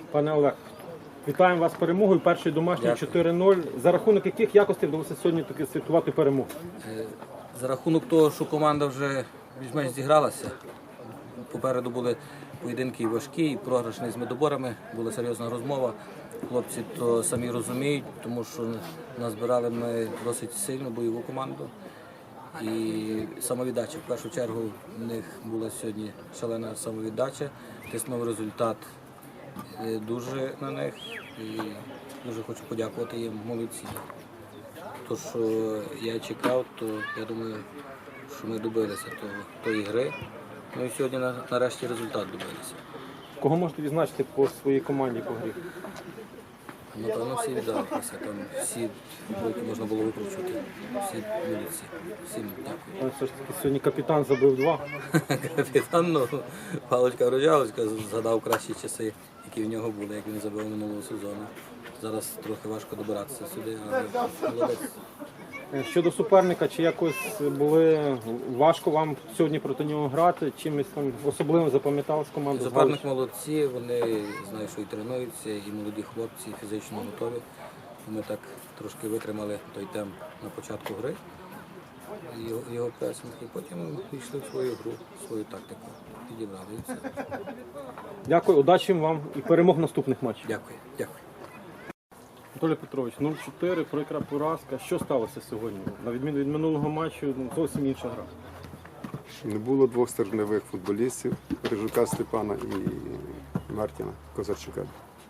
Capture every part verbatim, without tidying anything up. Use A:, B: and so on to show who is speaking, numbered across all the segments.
A: Пане Олег, вітаємо вас з перемогою. Перший домашній чотири нуль. За рахунок яких якостей вдалося сьогодні таки святкувати перемогу?
B: За рахунок того, що команда вже більш-менш зігралася, попереду були поєдинки і важкі, і програшні з медоборами, була серйозна розмова. Хлопці то самі розуміють, тому що назбирали ми досить сильну бойову команду. І самовіддача, в першу чергу, в них була сьогодні шалена самовіддача, тиснув результат дуже на них і дуже хочу подякувати їм, молодці. То, що я чекав, то я думаю, що ми добилися того, тої гри. Ну і сьогодні нарешті результат добилися.
A: Кого можете відзначити по своїй команді по грі?
B: Напевно, всі віддалися, там всі футболки можна було викручувати, всі молодці, всім дякую.
A: Все ж таки сьогодні капітан забив два.
B: Капітан, ну, паличка Рожалочка згадав кращі часи, які в нього були, як він забив минулого сезону. Зараз трохи важко добиратися сюди, але молодець.
A: Щодо суперника, чи якось були важко вам сьогодні проти нього грати? Чимось там особливо запам'яталась команда?
B: Суперник молодці, вони знаю, що і тренуються, і молоді хлопці, і фізично готові. Ми так трошки витримали той темп на початку гри, його, його пресинг, і потім йшли в свою гру, свою тактику, підібрали і все.
A: Дякую, удачі вам і перемог в наступних матчах.
B: Дякую, дякую.
A: Анатолій Петрович, нуль чотири, прикра поразка. Що сталося сьогодні? На відміну від минулого матчу, ну, зовсім інша гра.
C: Не було двох стержневих футболістів, Рижука Степана і Мартіна Козарчука.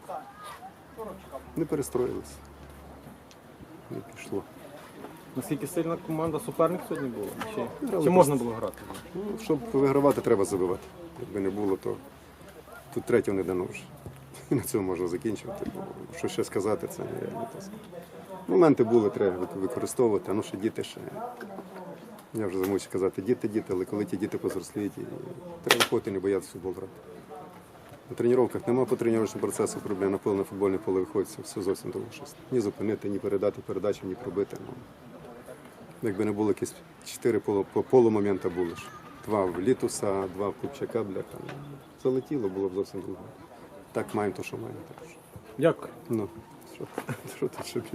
C: Не перестроїлися. Не пішло.
A: Наскільки сильна команда суперник сьогодні була? Чи,
C: Грали
A: чи можна було грати?
C: Ну, щоб вигравати, треба забивати. Якби не було, то тут третього не дано вже. І на цьому можна закінчувати. Бо що ще сказати, це нереально. Моменти були, треба використовувати, а ну ще діти ще. Я вже замучив казати діти, діти, але коли ті діти позросліють, треба виходити, не боятися футбол грати. На тренуваннях немає по тренувальному процесу проблем, на поле, на футбольне поле виходить, все зовсім довго щось. Ні зупинити, ні передати передачу, ні пробити. Ну, якби не було якісь чотири полу, по полумомента були ж. Два в Літуса, два в Купчака, бляха. Залетіло, було б зовсім друге. Так маємо то, що маємо. Так що.
A: Дякую.
C: Ну, що, що тут ще більше?